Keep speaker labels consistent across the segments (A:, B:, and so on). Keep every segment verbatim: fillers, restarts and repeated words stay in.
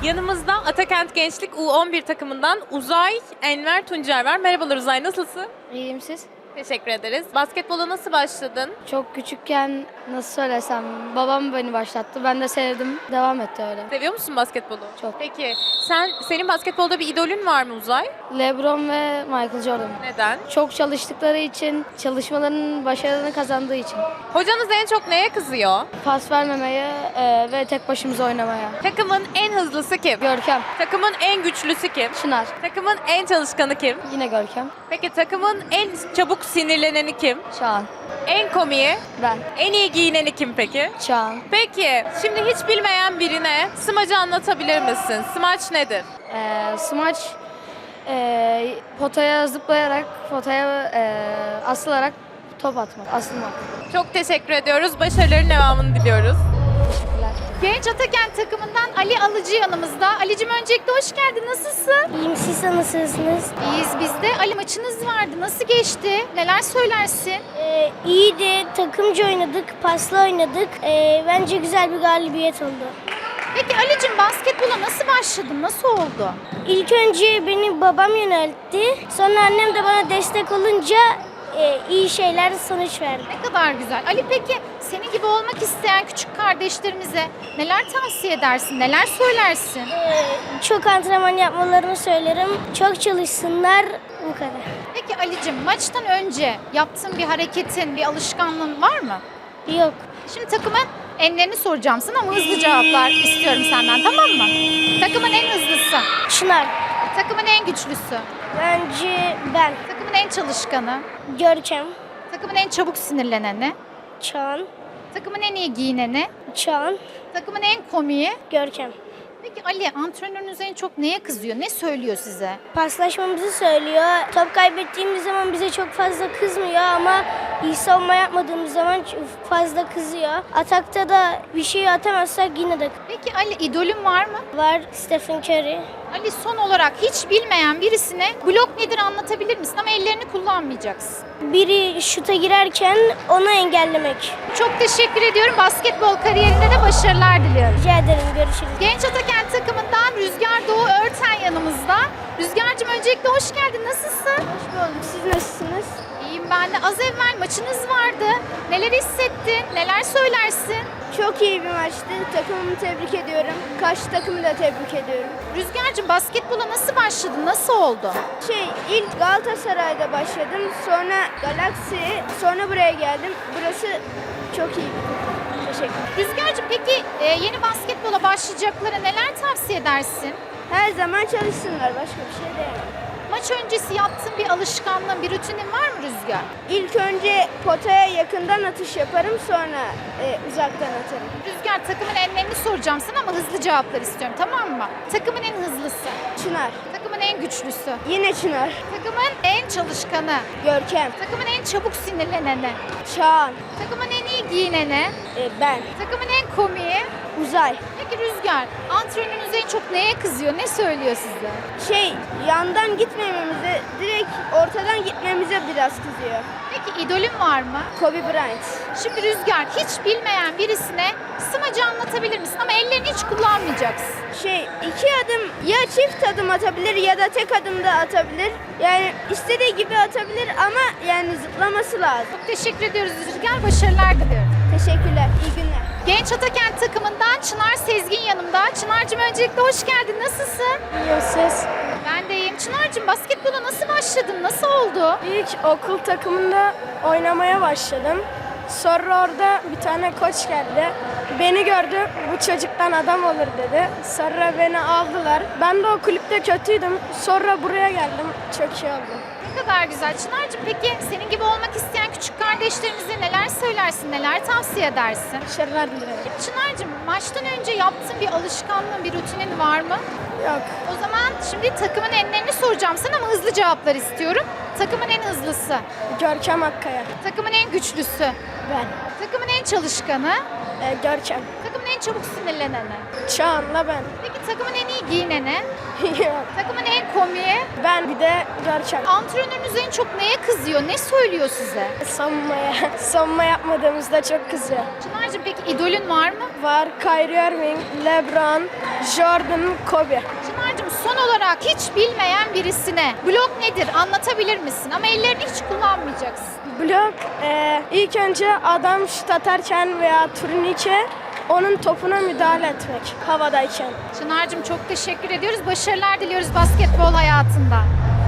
A: Yanımızda Atakent Gençlik U on bir takımından Uzay Enver Tuncer var. Merhabalar Uzay, nasılsın?
B: İyiyim siz?
A: Teşekkür ederiz. Basketbola nasıl başladın?
B: Çok küçükken nasıl söylesem babam beni başlattı. Ben de sevdim. Devam etti öyle.
A: Seviyor musun basketbolu?
B: Çok.
A: Peki sen senin basketbolda bir idolün var mı Uzay?
B: LeBron ve Michael Jordan.
A: Neden?
B: Çok çalıştıkları için, çalışmalarının başarını kazandığı için.
A: Hocanız en çok neye kızıyor?
B: Pas vermemeye e, ve tek başımıza oynamaya.
A: Takımın en hızlısı kim?
B: Görkem,
A: Takımın en güçlüsü kim?
B: Çınar,
A: Takımın en çalışkanı kim?
B: yine Görkem,
A: Peki takımın en çabuk sinirleneni kim?
B: Çağan,
A: En komiği?
B: ben,
A: En iyi giyineni kim peki?
B: Çağan.
A: Peki, şimdi hiç bilmeyen birine smacı anlatabilir misin? Smaç nedir?
B: E, smaç e, potaya zıplayarak, potaya e, asılarak top atmak, asılmak.
A: Çok teşekkür ediyoruz. Başarıların devamını diliyoruz.
B: Teşekkürler.
C: Genç Atakent takımından Ali Alıcı yanımızda. Ali'cim öncelikle hoş geldin. Nasılsın?
D: İyiyim, siz nasılsınız?
C: İyiyiz biz de. Ali maçınız vardı. Nasıl geçti? Neler söylersin?
D: Ee, iyiydi, takımca oynadık, paslı oynadık. Ee, bence güzel bir galibiyet oldu.
C: Peki Ali'cim basketbola nasıl başladın? Nasıl oldu?
D: İlk önce beni babam yöneltti. Sonra annem de bana destek olunca e, iyi şeyler sonuç verdi.
C: Ne kadar güzel. Ali peki senin gibi olmak isteyen küçük kardeşlerimize neler tavsiye edersin? Neler söylersin?
D: Ee, çok antrenman yapmalarını söylerim. Çok çalışsınlar, bu kadar.
C: Peki Ali'cim maçtan önce yaptığın bir hareketin, bir alışkanlığın var mı?
D: Yok.
C: Şimdi takımın enlerini soracağım sana ama hızlı cevaplar istiyorum senden, tamam mı? Takımın en hızlısı,
D: Çınar.
C: takımın en güçlüsü,
D: Bence ben.
C: takımın en çalışkanı,
D: Görkem.
C: takımın en çabuk sinirleneni,
D: Çağan.
C: takımın en iyi giyineni,
D: Çağan.
C: takımın en komiği.
D: Görkem.
C: Peki Ali, antrenörünüz en çok neye kızıyor? Ne söylüyor size?
D: Paslaşmamızı söylüyor. Top kaybettiğimiz zaman bize çok fazla kızmıyor ama iyi savunma yapmadığımız zaman çok fazla kızıyor. Atakta da bir şey atamazsak yine de
C: Peki Ali, idolün var mı?
D: var Stephen Curry.
C: Ali, son olarak hiç bilmeyen birisine blok nedir anlatabilir misin? Ama ellerini kullanmayacaksın.
D: Biri şuta girerken onu engellemek.
C: Çok teşekkür ediyorum. Basketbol kariyerinde de başarılar diliyorum.
D: Rica ederim. Görüşürüz.
C: Genç Atakent takımından Rüzgar Doğu Örten yanımızda. Rüzgar'cığım öncelikle hoş geldin. Nasılsın?
D: Hoş bulduk. Siz nasılsınız?
C: İyiyim ben de. Az evvel maçınız vardı. Neler hissettin? Neler söylersin?
D: Çok iyi bir maçtı. Takımımı tebrik ediyorum. Karşı takımı da tebrik ediyorum.
C: Rüzgar'cığım basketbola nasıl başladın? Nasıl oldu?
D: Şey, ilk Galatasaray'da başladım. Sonra Galaxy, sonra buraya geldim. Burası çok iyi. Teşekkür.
C: Rüzgar'cığım peki e, yeni basketbola başlayacaklara neler tavsiye edersin?
D: Her zaman çalışsınlar. Başka bir şey diyemem.
C: Maç öncesi yaptığın bir alışkanlığın, bir rutinin var mı Rüzgar?
D: İlk önce potaya yakından atış yaparım, sonra e, uzaktan atarım.
C: Rüzgar, takımın enlerini soracağım sana ama hızlı cevaplar istiyorum, tamam mı? Takımın en hızlısı,
D: Çınar.
C: takımın en güçlüsü,
D: Yine Çınar.
C: takımın en çalışkanı,
D: Görkem.
C: takımın en çabuk sinirleneni,
D: Çağan.
C: takımın en iyi giyineni,
D: E, ben.
C: takımın en komiği.
D: Uzay.
C: Peki Rüzgar, antrenörünüz en çok neye kızıyor, ne söylüyor size?
D: Şey, yandan gitmememize, direkt ortadan gitmemize biraz kızıyor.
C: Peki idolün var mı?
D: Kobe Bryant.
C: Şimdi Rüzgar, hiç bilmeyen birisine smacı anlatabilir misin? Ama ellerini hiç kullanmayacaksın.
D: Şey, iki adım ya çift adım atabilir ya da tek adım da atabilir. Yani istediği gibi atabilir ama yani zıplaması lazım.
C: Çok teşekkür ediyoruz Rüzgar, başarılar diliyorum.
D: Teşekkürler, iyi günler.
C: Genç Atakent takımından Çınar Sezgin yanımda. Çınar'cığım öncelikle hoş geldin. Nasılsın?
D: İyi siz.
C: Ben de iyiyim. Çınar'cığım basketbola nasıl başladın? Nasıl oldu?
E: İlk okul takımında oynamaya başladım. Sonra orada bir tane koç geldi. Beni gördü, bu çocuktan adam olur dedi. Sonra beni aldılar. Ben de o kulüpte kötüydüm. Sonra buraya geldim. Çok iyi oldu.
C: Ne kadar güzel. Çınar'cığım peki senin gibi olmak isteyen küçük kardeşlerimize neler söylersin, neler tavsiye edersin?
E: Başarılar dilerim.
C: Çınar'cığım maçtan önce yaptığın bir alışkanlığın, bir rutinin var mı?
E: Yok.
C: O zaman şimdi takımın enlerini soracağım sana ama hızlı cevaplar istiyorum. Takımın en hızlısı,
E: Görkem Akkaya.
C: takımın en güçlüsü,
E: Ben.
C: takımın en çalışkanı,
E: Ee, Görkem.
C: takımın en çabuk sinirleneni?
E: Çağan'la ben.
C: Peki takımın en iyi giyineni?
E: Yok.
C: Takımın en komiği?
E: Ben bir de Görkem.
C: Antrenörünüz en çok neye kızıyor? Ne söylüyor size?
E: Savunmaya. Savunma yapmadığımızda çok kızıyor.
C: Çınar'cığım peki idolün var mı?
E: Var Kyrie Irving, LeBron, Jordan, Kobe.
C: Çınar'cığım son olarak hiç bilmeyen birisine blok nedir anlatabilir misin? Ama ellerini hiç kullanmayacaksın.
E: Blok e, ilk önce adam şut atarken veya turnike onun topuna müdahale etmek havadayken.
C: Çınar'cığım çok teşekkür ediyoruz. Başarılar diliyoruz basketbol hayatında.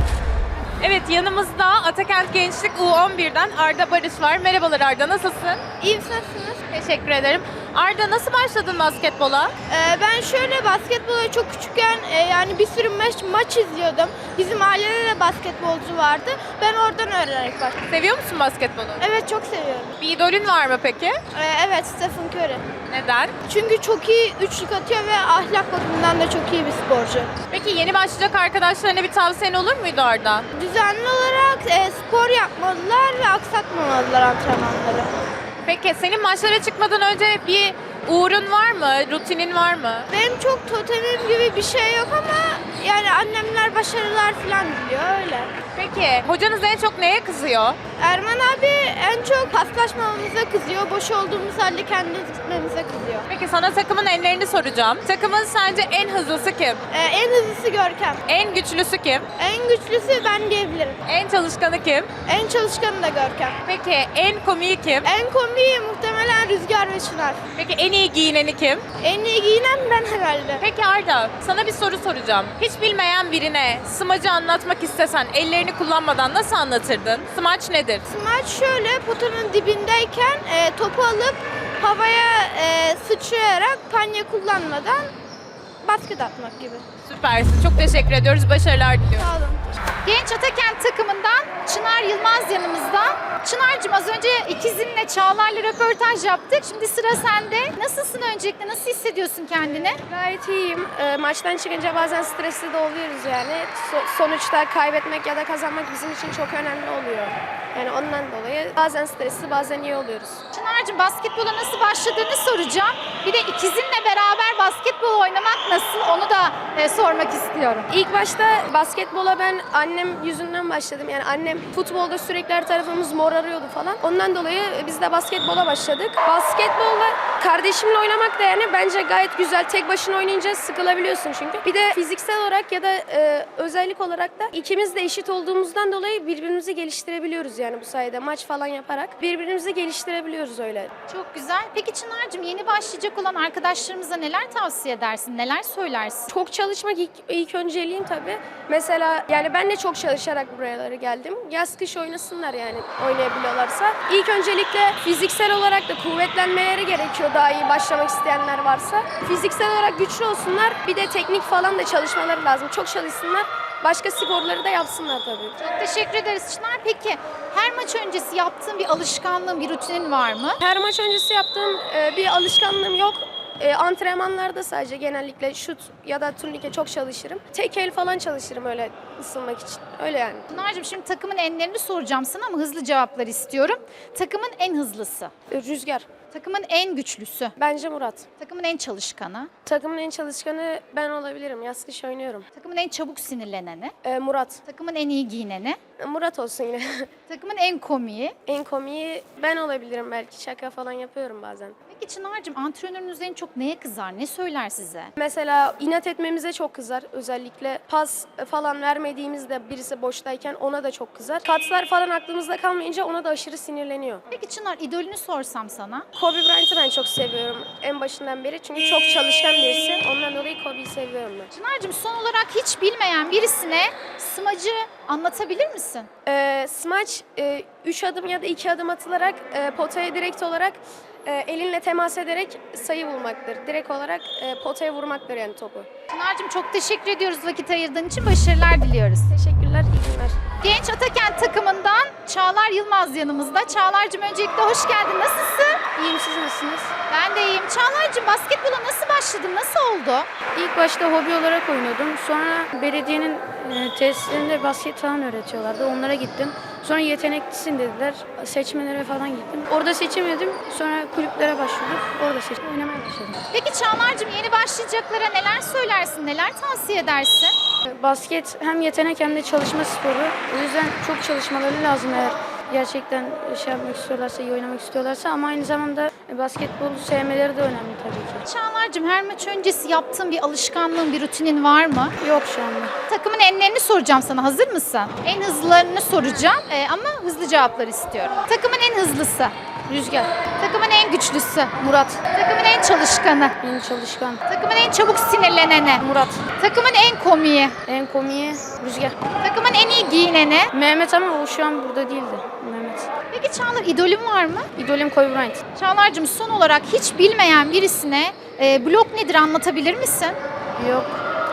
A: Evet, yanımızda Atakent Gençlik U on birden Arda Barış var. Merhabalar Arda, nasılsın?
F: İyi misiniz?
A: Teşekkür ederim. Arda, nasıl başladın basketbola?
F: Ee, ben şöyle basketbola çok küçükken e, yani bir sürü maç, maç izliyordum. Bizim ailede de basketbolcu vardı. Ben oradan öğrenerek başladım.
A: Seviyor musun basketbolu?
F: Evet çok seviyorum.
A: Bir idolün var mı peki?
F: Ee, evet Stephen Curry.
A: Neden?
F: Çünkü çok iyi üçlük atıyor ve ahlak bakımından da çok iyi bir sporcu.
A: Peki yeni başlayacak arkadaşlarına bir tavsiyen olur muydu Arda?
F: Düzenli olarak e, spor yapmalılar ve aksatmamalılar antrenmanları.
A: Peki senin maçlara çıkmadan önce bir uğrun var mı? Rutinin var mı?
F: Benim çok totemim gibi bir şey yok ama yani annemler başarılar falan diliyor öyle.
A: Peki hocanız en çok neye kızıyor?
F: Erman abi en çok paslaşmamamıza kızıyor. Boş olduğumuz halde kendimiz gitmemize kızıyor.
A: Peki sana takımın enlerini soracağım. Takımın sence en hızlısı kim?
F: Ee, en hızlısı Görkem.
A: En güçlüsü kim?
F: En güçlüsü ben diyebilirim.
A: En çalışkanı kim?
F: En çalışkanı da Görkem.
A: Peki en komiği kim?
F: En komiği muhtemelen Rüzgar ve Çınar.
A: Peki en iyi giyineni kim?
F: En iyi giyinen ben herhalde.
A: Peki Arda, sana bir soru soracağım. Hiç bilmeyen birine smacı anlatmak istesen ellerini kullanmadan nasıl anlatırdın? Smaç nedir?
F: Smaç şöyle potanın dibindeyken e, topu alıp havaya e, sıçrayarak panye kullanmadan basket atmak gibi.
A: Süpersin. Çok teşekkür ediyoruz. Başarılar diliyorum.
F: Sağ olun.
C: Genç Atakent takımından Çınar Yılmaz yanımızda. Çınar'cığım az önce ikizinle Çağlar'la röportaj yaptık. Şimdi sıra sende. Nasılsın öncelikle? Nasıl hissediyorsun kendini?
E: Gayet iyiyim. E, maçtan çıkınca bazen stresli de oluyoruz yani. So- sonuçta kaybetmek ya da kazanmak bizim için çok önemli oluyor. Yani ondan dolayı bazen stresli bazen iyi oluyoruz.
C: Çınar'cığım basketbola nasıl başladığını soracağım. Bir de ikizinle beraber basketbol oynamak nasıl onu da e, sormak istiyorum.
E: İlk başta basketbola ben annem yüzünden başladım. Yani annem futbolda sürekli her tarafımız morarıyordu falan. Ondan dolayı biz de basketbola başladık. Basketbolla kardeşimle oynamak da yani bence gayet güzel. Tek başına oynayınca sıkılabiliyorsun çünkü. Bir de fiziksel olarak ya da e, özellik olarak da ikimiz de eşit olduğumuzdan dolayı birbirimizi geliştirebiliyoruz yani bu sayede. Maç falan yaparak birbirimizi geliştirebiliyoruz öyle.
C: Çok güzel. Peki Çınar'cığım yeni başlayacak olan arkadaşlarımıza neler tavsiye edersin? Neler söylersin?
E: Çok çalışmak ilk, ilk önceliğim tabii. Mesela yani ben de çok çalışarak buralara geldim. Yaz kış oynasınlar yani oynayabiliyorlarsa. İlk öncelikle fiziksel olarak da kuvvetlenmeleri gerekiyor daha iyi başlamak isteyenler varsa. Fiziksel olarak güçlü olsunlar. Bir de teknik falan da çalışmaları lazım. Çok çalışsınlar. Başka sporları da yapsınlar tabii.
C: Çok teşekkür ederiz Çınar. Peki her maç öncesi yaptığın bir alışkanlığın, bir rutinin var mı?
E: Her maç öncesi yaptığım e, bir alışkanlığım yok. E, antrenmanlarda sadece genellikle şut ya da turnike çok çalışırım. Tek el falan çalışırım öyle ısınmak için. Öyle yani.
C: Çınar'cığım şimdi takımın enlerini soracağım sana ama hızlı cevaplar istiyorum. Takımın en hızlısı,
E: E, Rüzgar.
C: takımın en güçlüsü,
E: Bence Murat.
C: takımın en çalışkanı,
E: Takımın en çalışkanı ben olabilirim. Yaz kış oynuyorum.
C: takımın en çabuk sinirleneni,
E: E, Murat.
C: takımın en iyi giyineni,
E: E, Murat olsun yine.
C: takımın en komiği.
E: En komiği ben olabilirim belki. Şaka falan yapıyorum bazen.
C: Peki Çınar'cığım antrenörünüz en çok neye kızar, ne söyler size?
E: Mesela inat etmemize çok kızar. Özellikle pas falan vermediğimizde birisi boştayken ona da çok kızar. Katslar falan aklımızda kalmayınca ona da aşırı sinirleniyor.
C: Peki Çınar idolünü sorsam sana?
E: Kobe Bryant'ı ben çok seviyorum en başından beri. Çünkü çok çalışkan birisi. Ondan dolayı Kobe'yi seviyorum ben.
C: Çınar'cığım son olarak hiç bilmeyen birisine smacı anlatabilir misin?
E: Ee, smaç e, üç adım ya da iki adım atılarak e, potaya direkt olarak e, elinle temas ederek sayı bulmaktır. Direkt olarak e, potaya vurmaktır yani topu.
C: Çınar'cığım çok teşekkür ediyoruz vakit ayırdığın için. Başarılar diliyoruz.
E: Teşekkürler, iyi günler.
C: Genç Atakent takımından Çağlar Yılmaz yanımızda. Çağlar'cığım öncelikle hoş geldin. Nasılsın?
E: İyiyim, siz nasılsınız?
C: Ben de iyiyim. Çağlar'cığım basketbola nasıl başladın? Nasıl oldu?
B: İlk başta hobi olarak oynuyordum. Sonra belediyenin e, tesislerinde basket falan öğretiyorlardı. Onlara gittim. Sonra yeteneklisin dediler. Seçmelere falan gittim. Orada seçemedim. Sonra kulüplere başvurdum. Orada seçtim. Oynamaya başladım.
C: Peki Çağlar'cığım yeni başlayacaklara neler söylersin, neler tavsiye edersin?
B: Basket hem yetenek hem de çalışma sporu. O yüzden çok çalışmaları lazım eğer gerçekten şey yapmak istiyorlarsa, iyi oynamak istiyorlarsa, ama aynı zamanda basketbolu sevmeleri de önemli tabii ki.
C: Çağlar'cığım her maç öncesi yaptığın bir alışkanlığın, bir rutinin var mı?
B: Yok şu anda.
C: Takımın enlerini soracağım sana. Hazır mısın? En hızlılarını soracağım ee, ama hızlı cevaplar istiyorum. Takımın en hızlısı.
B: Rüzgar,
C: Takımın en güçlüsü.
B: Murat,
C: Takımın en çalışkanı.
B: en çalışkan,
C: Takımın en çabuk sinirleneni.
B: Murat,
C: Takımın en komiği.
B: en komiği Rüzgar.
C: Takımın en iyi giyineni.
B: Mehmet, ama o şu an burada değildi. Mehmet.
C: Peki Çağlar, idolün var mı?
B: İdolüm Kobe Bryant.
C: Çağlar'cığım son olarak hiç bilmeyen birisine e, blok nedir anlatabilir misin?
B: Yok.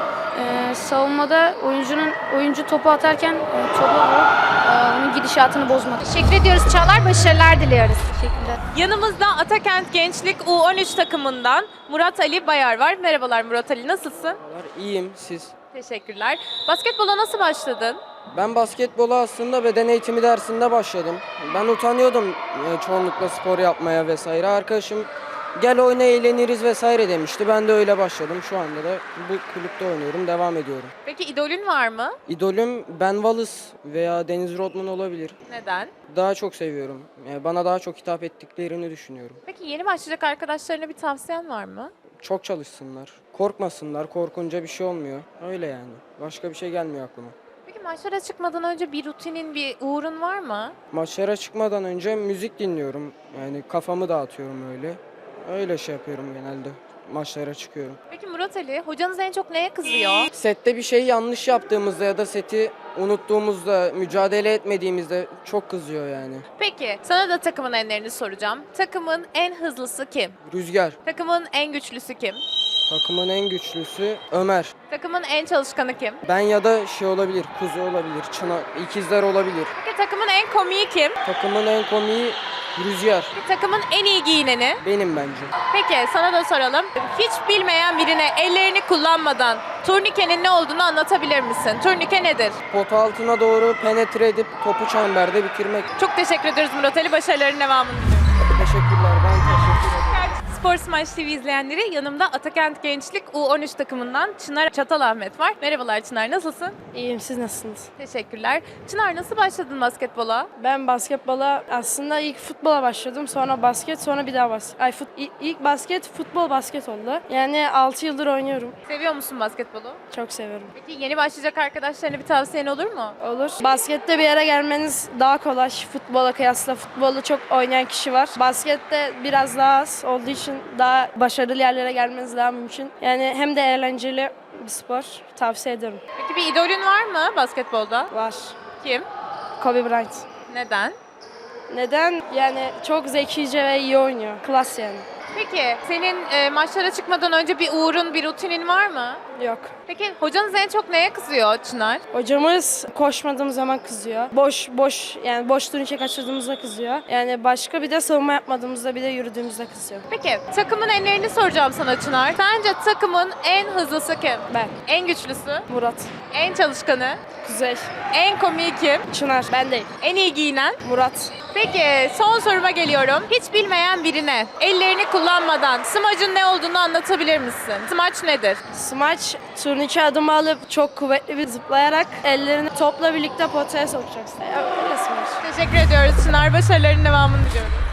B: Ee, savunmada oyuncunun oyuncu topu atarken e, topu vurup e, onun gidişatını bozmak.
C: Teşekkür ediyoruz Çağlar. Başarılar diliyoruz.
B: Teşekkürler.
A: Yanımızda Atakent Gençlik U on üç takımından Murat Ali Bayar var. Merhabalar Murat Ali, nasılsın?
G: Merhabalar, İyiyim, siz?
A: Teşekkürler. Basketbola nasıl başladın?
G: Ben basketbola aslında beden eğitimi dersinde başladım. Ben utanıyordum e, çoğunlukla spor yapmaya vesaire. Arkadaşım gel oyna eğleniriz vesaire demişti. Ben de öyle başladım. Şu anda da bu kulüpte oynuyorum, devam ediyorum.
A: Peki idolün var mı?
G: İdolüm Ben Wallace veya Dennis Rodman olabilir.
A: Neden?
G: Daha çok seviyorum. Yani bana daha çok hitap ettiklerini düşünüyorum.
A: Peki yeni başlayacak arkadaşlarına bir tavsiyen var mı?
G: Çok çalışsınlar, korkmasınlar. Korkunca bir şey olmuyor. Öyle yani. Başka bir şey gelmiyor aklıma.
A: Peki maçlara çıkmadan önce bir rutinin, bir uğrun var mı?
G: Maçlara çıkmadan önce müzik dinliyorum. Yani kafamı dağıtıyorum öyle. Öyle şey yapıyorum genelde. Maçlara çıkıyorum.
A: Peki Murat Ali, hocanız en çok neye kızıyor?
G: Sette bir şey yanlış yaptığımızda ya da seti unuttuğumuzda, mücadele etmediğimizde çok kızıyor yani.
A: Peki, sana da takımın enlerini soracağım. Takımın en hızlısı kim?
G: Rüzgar.
A: Takımın en güçlüsü kim?
G: Takımın en güçlüsü Ömer.
A: Takımın en çalışkanı kim?
G: Ben ya da şey olabilir, kuzu olabilir, çınar, ikizler olabilir.
A: Peki takımın en komiği kim?
G: Takımın en komiği Rüzgar.
A: Peki takımın en iyi giyineni?
G: Benim bence.
A: Peki sana da soralım. Hiç bilmeyen birine ellerini kullanmadan turnikenin ne olduğunu anlatabilir misin? Turnike nedir?
G: Pot altına doğru penetre edip topu çemberde bitirmek.
A: Çok teşekkür ederiz Murat Ali. Başarıların devamını diliyorum.
G: Teşekkürler, ben teşekkür ederim.
A: Spor Smash T V izleyenleri, yanımda Atakent Gençlik U on üç takımından Çınar Çatalahmet var. Merhabalar Çınar, nasılsın?
H: İyiyim, siz nasılsınız?
A: Teşekkürler. Çınar, nasıl başladın basketbola?
H: Ben basketbola aslında ilk futbola başladım, sonra basket, sonra bir daha basket. Ay fut, ilk- ilk basket, futbol basket oldu. Yani altı yıldır oynuyorum.
A: Seviyor musun basketbolu?
H: Çok seviyorum.
A: Peki yeni başlayacak arkadaşlarına bir tavsiyen olur mu?
H: Olur. Baskette bir yere gelmeniz daha kolay. Futbola kıyasla futbolu çok oynayan kişi var. Baskette biraz daha az olduğu için daha başarılı yerlere gelmeniz daha mümkün. Yani hem de eğlenceli bir spor. Tavsiye ederim.
A: Peki bir idolün var mı basketbolda?
H: Var.
A: Kim?
H: Kobe Bryant.
A: Neden?
H: Neden? Yani çok zekice ve iyi oynuyor. Klas yani.
A: Peki senin e, maçlara çıkmadan önce bir uğrun, bir rutinin var mı?
H: Yok.
A: Peki hocanız en çok neye kızıyor Çınar?
H: Hocamız koşmadığım zaman kızıyor. Boş boş yani boş turnike kaçırdığımızda kızıyor. Yani başka bir de savunma yapmadığımızda bir de yürüdüğümüzde kızıyor.
A: Peki takımın enlerini soracağım sana Çınar. Sence takımın en hızlısı kim?
H: Ben,
A: En güçlüsü?
H: Murat,
A: En çalışkanı?
H: Kuzey,
A: En komiği kim?
H: Çınar, ben değil.
A: En iyi giyinen?
H: Murat.
A: Peki son soruma geliyorum. Hiç bilmeyen birine ellerini kullanmadan smacın ne olduğunu anlatabilir misin? Smaç nedir?
H: Smaç turnike adımı alıp çok kuvvetli bir zıplayarak ellerini topla birlikte potaya sokacaksın. Ya, öyle smaç.
A: Teşekkür ediyoruz Çınar. Başarıların devamını diliyorum.